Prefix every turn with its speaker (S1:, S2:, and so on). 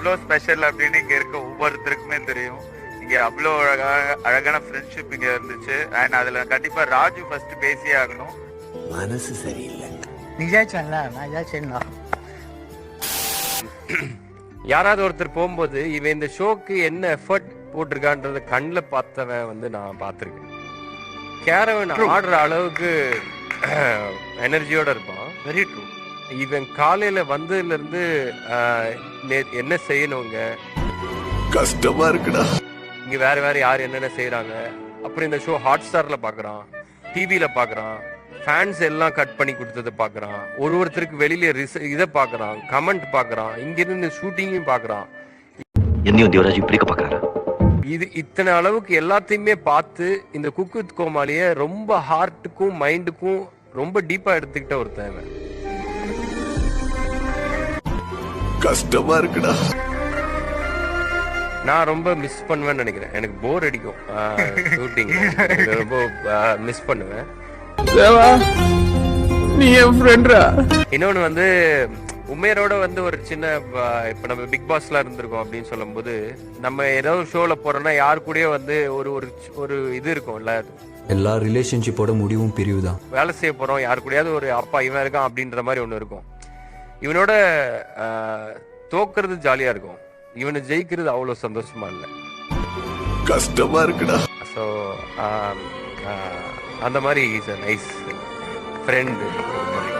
S1: எவ்வளோ ஸ்பெஷல் அப்படின்னு இங்க இருக்க ஒவ்வொருத்தருக்குமே தெரியும். இங்க அவ்வளோ அழகான ஃப்ரெண்ட்ஷிப் இங்க இருந்துச்சு. அண்ட் அதுல கண்டிப்பா ராஜு ஃபர்ஸ்ட் பேசியே ஆகணும்.
S2: மனசு சரியில்லை.
S3: யாராவது ஒருத்தர் போகும்போது இவன் இந்த ஷோக்கு என்ன எஃபர்ட் போட்டிருக்கான்றத கண்ணில் பார்த்தவன் வந்து நான் பார்த்துருக்கேன். கேரவன் ஆடுற அளவுக்கு எனர்ஜியோட இருப்பான். Very true. இவன் காலையில வந்ததுல இருந்து என்ன செய்யணுங்க,
S2: கஷ்டமா இருக்குடா.
S3: இங்க வேற வேற யார் என்னென்ன செய்யறாங்க, அப்புறம் இந்த ஷோ ஹாட் ஸ்டார்ல பாக்குறான், டிவில பாக்குறான், ஃபேன்ஸ் எல்லாம் கட் பண்ணி கொடுத்ததை பாக்குறான், ஒருத்தருக்கு வெளியில இதை பாக்குறான், கமெண்ட் பாக்குறான், இங்க இருந்து ஷூட்டிங்கையும் பாக்குறான்.
S4: என்னையும் தேவராஜ் இப்படி பாக்குறாரு.
S3: இது இத்தனை அளவுக்கு எல்லாத்தையுமே பார்த்து இந்த குக் வித் கோமாளிய ரொம்ப ஹார்ட்டுக்கும் மைண்டுக்கும் ரொம்ப டீப்பா எடுத்துக்கிட்ட ஒருத்தன்.
S2: கஷ்டமா இருக்குடா.
S3: நான் ரொம்ப மிஸ் பண்ணுவேன்னு நினைக்கிறேன். எனக்கு போர் அடிக்கும் ஷூட்டிங், ரொம்ப மிஸ் பண்ணுவேன்.
S5: நீ என் ஃப்ரெண்டா.
S3: இன்னொன்னு வந்து உமேரோட வந்து ஒரு சின்ன இப்ப நம்ம பிக் பாஸ்ல இருந்திருக்கோம் அப்படின்னு சொல்லும் போது, நம்ம ஏதோ ஒரு ஷோல போறோம்னா யாரு கூடயோ வந்து ஒரு ஒரு இது இருக்கும்ல,
S6: எல்லா ரிலேஷன்ஷிப்போட முடிவும் பிரிவு தான்.
S3: வேலை செய்ய போறோம், யாரு கூடயாவது ஒரு அப்பா இவன் இருக்கான் அப்படின்ற மாதிரி ஒண்ணு இருக்கும். இவனோட தோக்குறது ஜாலியா இருக்கும், இவனை ஜெயிக்கிறது அவ்வளவு சந்தோஷமா இல்லை.
S2: கஷ்டமா இருக்குடா.
S3: ஸோ அந்த மாதிரி இஸ் அ நைஸ் ஃப்ரெண்ட்.